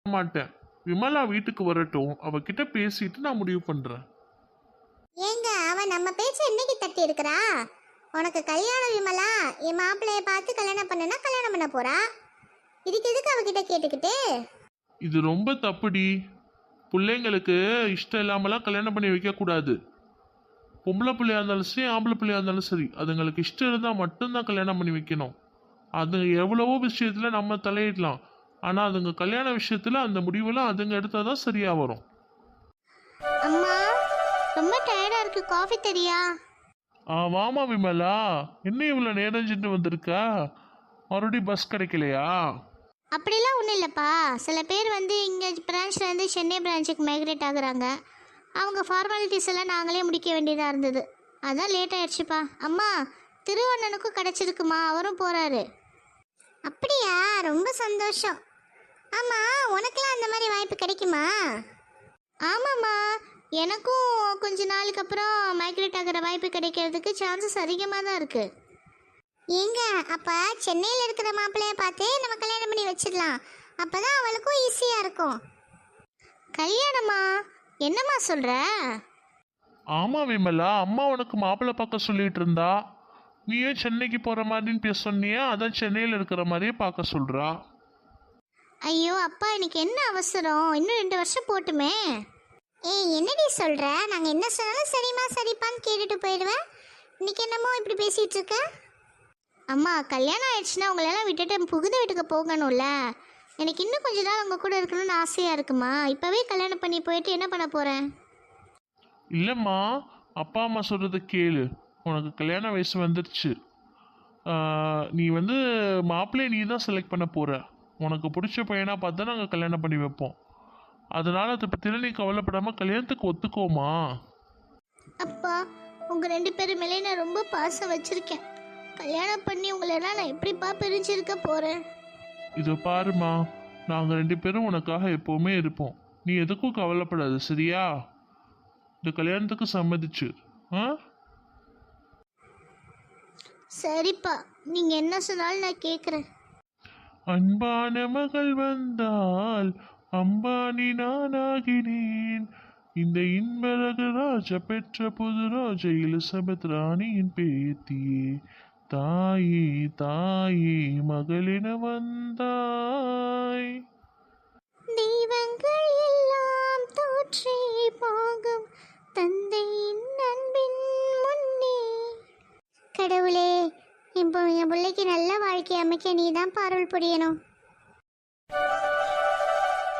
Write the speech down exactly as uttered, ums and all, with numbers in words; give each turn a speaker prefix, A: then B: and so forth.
A: மாட்டேன். விமலா வீட்டுக்கு வரட்டும், அவகிட்ட பேசிட்டு நான் முடிவு பண்றேன்.
B: ஏங்க அவ நம்ம பேச்ச என்னைக்கு தட்டி இருக்கிறா? உனக்கு கல்யாணம் விமலா, என் மாப்பிள்ளைய பார்த்து கல்யாணம் பண்ணனா கல்யாணம் பண்ண போறா. இதுக்கு எதுக்கு அவகிட்ட கேட்டுக்கிட்டு?
A: இது ரொம்ப தப்புடி. பிள்ளைங்களுக்கு இஷ்டம் இல்லாமலாம் கல்யாணம் பண்ணி வைக்க கூடாது. பொம்பளை பிள்ளையா இருந்தாலும் சரி, ஆம்பளை பிள்ளையா இருந்தாலும் சரி, அதுங்களுக்கு இஷ்டம் இருந்தால் மட்டும்தான் கல்யாணம் பண்ணி வைக்கணும். அது எவ்வளவோ விஷயத்துல நம்ம தலையிடலாம், ஆனா அதுங்க கல்யாண விஷயத்துல அந்த முடிவெல்லாம் அதுங்க எடுத்தாதான் சரியா வரும்.
B: அம்மா ரொம்ப டயர்டா இருக்கு, காஃபி தெரியா?
A: ஆ வாமா விமலா, என்ன இவ்வளோ நேரஞ்சிட்டு வந்திருக்கா? மறுபடியும் பஸ் கிடைக்கலையா?
B: அப்படிலாம் ஒன்றும் இல்லைப்பா. சில பேர் வந்து இங்கே பிரான்ச்லேருந்து சென்னை பிரான்ச்சுக்கு மைக்ரேட் ஆகுறாங்க. அவங்க ஃபார்மாலிட்டிஸ் எல்லாம் நாங்களே முடிக்க வேண்டியதாக இருந்தது. அதான் லேட் ஆயிடுச்சுப்பா. அம்மா திருவண்ணனுக்கும் கிடச்சிருக்குமா, அவரும் போகிறாரு. அப்படியா? ரொம்ப சந்தோஷம். ஆமாம், உனக்கெல்லாம் அந்த மாதிரி வாய்ப்பு கிடைக்குமா? ஆமாம்மா, எனக்கும் கொஞ்ச நாளுக்கு அப்புறம் மைக்ரேட் ஆகிற வாய்ப்பு கிடைக்கிறதுக்கு சான்சஸ் அதிகமாக தான் இருக்குது. ஏங்க அப்போ சென்னையில் இருக்கிற மாப்பிள்ளைய பார்த்து நம்ம கல்யாணம் பண்ணி வச்சிடலாம். அப்போ தான் அவளுக்கும் ஈஸியாக இருக்கும். கல்யாணமா? என்னம்மா சொல்கிற?
A: ஆமா விமலா, அம்மா உனக்கு மாப்பிள்ளை பார்க்க சொல்லிட்டு இருந்தா. நீ ஏன் சென்னைக்கு போற மாதிரின்னு பேச சொன்னியா? அதான் சென்னையில் இருக்கிற மாதிரியே பார்க்க சொல்றா.
B: ஐயோ அப்பா, எனக்கு என்ன அவசரம்? இன்னும் ரெண்டு வருஷம் போட்டுமே. ஏய் என்னடி சொல்கிற? நாங்கள் என்ன சொன்னாலும் சரிம்மா சரிப்பான்னு கேட்டுட்டு போயிடுவேன். இன்னைக்கு என்னமோ இப்படி பேசிகிட்டு இருக்க? அம்மா கல்யாணம் ஆயிடுச்சுன்னா உங்களெல்லாம் விட்டுட்டு புகுந்த வீட்டுக்கு போகணும்ல. எனக்கு இன்னும் கொஞ்ச நாள் உங்கள் கூட இருக்கணும்னு ஆசையாக இருக்குமா. இப்போவே கல்யாணம் பண்ணி போயிட்டு என்ன பண்ண போகிறேன்?
A: இல்லைம்மா, அப்பா அம்மா சொல்கிறத கேளு. உனக்கு கல்யாண வயசு வந்துருச்சு. நீ வந்து மாப்பிள்ளையை நீ தான் செலக்ட் பண்ண போகிற. உனக்கு பிடிச்ச பையனாக பார்த்தா நாங்கள் கல்யாணம் பண்ணி வைப்போம். அதனால் அதை பற்றிலாம் நீ கவலைப்படாமல் கல்யாணத்துக்கு ஒத்துக்கோமா.
B: அப்பா உங்கள் ரெண்டு பேரும் மேலே நான் ரொம்ப பாசம் வச்சுருக்கேன். கல்யாணம் பண்ணி உங்களெல்லாம் நான் எப்படிப்பா பிரிஞ்சிருக்க போகிறேன்?
A: இதோ பாருமா, நாங்கள் ரெண்டு பேரும் உனக்காக எப்போவுமே இருப்போம். நீ எதுக்கும் கவலைப்படாது, சரியா? இந்த கல்யாணத்துக்கு சம்மதிச்சு. ஆ
B: சரிப்பா, நீங்கள் என்ன சொன்னாலும் நான் கேட்குறேன்.
A: அன்பான மகள் வந்தால் அம்பானி நானாகினேன். இந்த இன்பரகு ராஜா பெற்ற புது ராஜா எலிசபெத் ராணியின் பேத்தியே. தாயே தாயே மகளின வந்தாய்.
B: தெய்வங்கள் எல்லாம் தோற்றே போகும் தந்தையின் அன்பின் முன்னே. கடவுளே, இப்போ என் பிள்ளைக்கு நல்ல வாழ்க்கை அமைக்க நீ தான் பாருள் புரியணும்.